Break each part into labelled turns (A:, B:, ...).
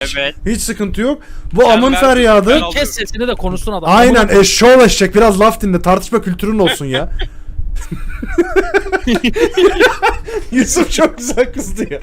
A: Evet.
B: Hiç sıkıntı yok. Bu
A: Sen
B: amın
A: ver,
B: feryadı.
A: ben alıyorum.
C: Kes sesini de konuşsun adam.
B: Aynen eşşoğlu eşek. Biraz laf dinle. Tartışma kültürün olsun ya. Yusuf çok güzel kızdı ya.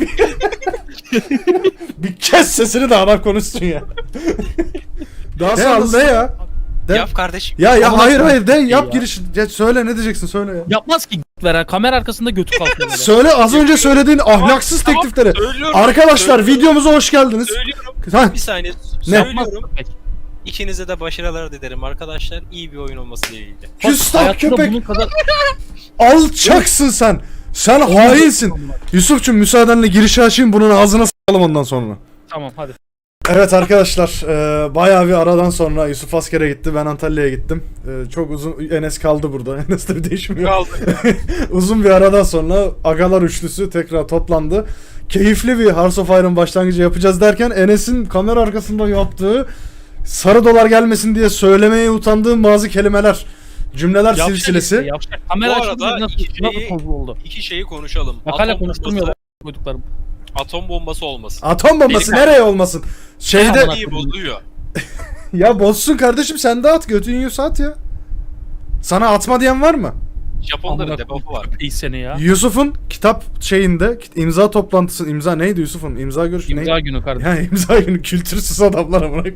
B: Bir kes sesini de adam konuşsun ya. Daha sonra ne ya? De.
A: Yap kardeşim.
B: Ya
C: Ama
B: hayır
C: nasıl
B: hayır de
C: şey
B: yap
C: ya?
B: giriş. Ya söyle ne diyeceksin söyle ya.
C: Yapmaz ki veren kamera arkasında götü kalkıyor böyle.
B: Söyle az önce söylediğin ahlaksız
A: Tamam,
B: teklifleri.
A: söylüyorum,
B: Arkadaşlar
A: söylüyorum.
B: videomuza hoş geldiniz.
A: Söylüyorum.
B: Ha,
A: Bir saniye.
B: Ne?
A: Söylüyorum. İkinize de başarılar dilerim arkadaşlar. İyi bir oyun olması dileğiyle.
B: küstah
C: Hayatımda
B: köpek.
C: bunun kadar
B: Alçaksın sen. Sen hainsin. Yusuf'cum müsaadenle girişi açayım bunun ağzına s**alım ondan sonra.
C: tamam hadi.
B: Evet arkadaşlar bayağı bir aradan sonra Yusuf askere gitti, ben Antalya'ya gittim. Çok uzun, Enes kaldı burada. Enes'te bir değişim yok.
A: Kaldı.
B: Uzun bir aradan sonra Agalar üçlüsü tekrar toplandı. Keyifli bir Hearts of Iron başlangıcı yapacağız derken Enes'in kamera arkasında yaptığı sarı dolar gelmesin diye söylemeye utandığım bazı kelimeler, cümleler silsilesi.
C: Yapacak. Kamera
A: Bu
C: açıldı
A: arada
C: nasıl tozu oldu.
A: İki şeyi konuşalım.
C: Makale
A: Atom
C: konuşturmuyor
A: bombası-
C: koyduklarım.
A: Atom bombası olmasın.
B: Atom bombası
A: Benim-
B: nereye olmasın? Şeyde
C: Tamam.
A: İyi bozuyor.
B: ya bozsun kardeşim sen de at götün yiyorsa at ya. Sana atma diyen var mı?
A: Japonların debuff'u var.
C: İyi seni ya.
B: Yusuf'un kitap şeyinde imza toplantısı imza neydi Yusuf'un imza görüşü
C: İmza
B: neydi?
C: günü kardeşim.
B: Ya imza günü kültürsüz adamlara bırak.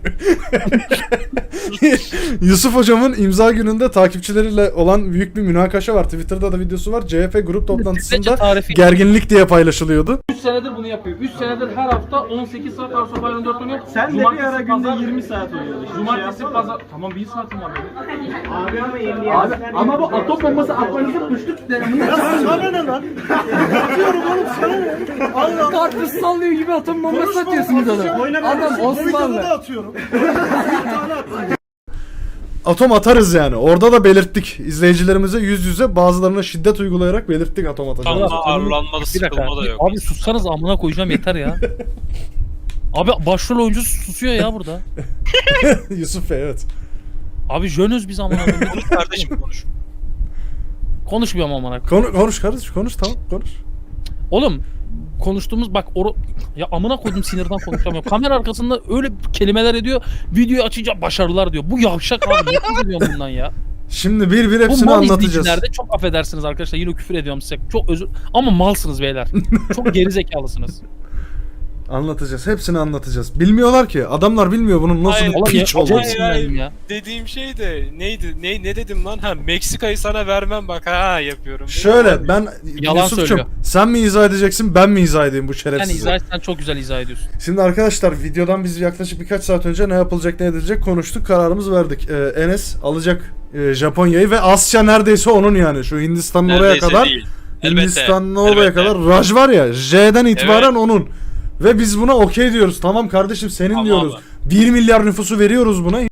B: Yusuf hocamın imza gününde takipçileriyle olan büyük bir münakaşa var. Twitter'da da videosu var. CHP grup toplantısında
C: tarifi.
B: gerginlik diye paylaşılıyordu.
D: 3 senedir bunu yapıyor. 3 senedir her hafta 18 saat Hearts of Iron 4 oynuyor.
E: Sen de bir ara günde 20 saat oynuyorsun.
D: Cumartesi pazar. Tamam 1 saatim var benim.
E: Abi ama yeni
D: Abi ama bu atom bombası atmanızı düştük.
E: sana ne lan? Atıyorum oğlum sana ne? Allah
D: Karpuz sallıyor gibi atom bombası atıyorsunuz adam. Adam Osmanlı.
E: atıyorum.
B: Atom atarız yani. Orada da belirttik. İzleyicilerimize yüz yüze bazılarına şiddet uygulayarak belirttik atom atacağımızı.
A: Ama ağırlanmadı,
C: Bir dakika.
A: sıkılma da yok.
C: Abi sussanız amına koyacağım yeter ya. Abi başrol oyuncu susuyor ya burada.
B: Yusuf Bey evet.
C: Abi jönüz biz amına koyayım.
A: Konuş kardeşim konuş.
C: Konuşmuyorum amına koyayım.
B: Konuş kardeşim konuş tamam konuş.
C: Oğlum konuştuğumuz bak ya amına koydum sinirden konuşamıyorum. Kamera arkasında öyle kelimeler ediyor. Videoyu açınca başarılar diyor. Bu yavşak abi. Nefret ediyorum bundan ya.
B: Şimdi bir bir
C: Bu
B: hepsini
C: mal
B: anlatacağız.
C: izleyicilerde çok affedersiniz arkadaşlar. Yine küfür ediyorum size. Çok özür ama malsınız beyler. Çok gerizekalısınız.
B: Anlatacağız. Hepsini anlatacağız. Bilmiyorlar ki. Adamlar bilmiyor bunun nasıl
A: Hayır.
B: bir
C: Oğlum
B: piç
C: ya,
B: olduğunu.
C: acayip sinirlendim ya.
A: Dediğim şey de neydi? Ne dedim lan? Ha Meksika'yı sana vermem bak ha yapıyorum.
B: Şöyle ben
C: Yalan
B: Yusuf'cum
C: söylüyor.
B: sen mi izah edeceksin ben mi izah edeyim bu
C: Sen
B: şerefsizi?
C: izah etsen çok güzel izah ediyorsun.
B: Şimdi arkadaşlar videodan biz yaklaşık birkaç saat önce ne yapılacak ne edilecek konuştuk kararımızı verdik. Enes alacak Japonya'yı ve Asya neredeyse onun yani şu Hindistan'ın oraya
A: Neredeyse
B: kadar
A: değil. Elbette,
B: Hindistan'ın oraya
A: elbette.
B: kadar Raj var ya J'den itibaren onun. Ve biz buna okey diyoruz. Tamam kardeşim senin
A: Tamam
B: diyoruz.
A: abi.
B: 1 milyar nüfusu veriyoruz buna.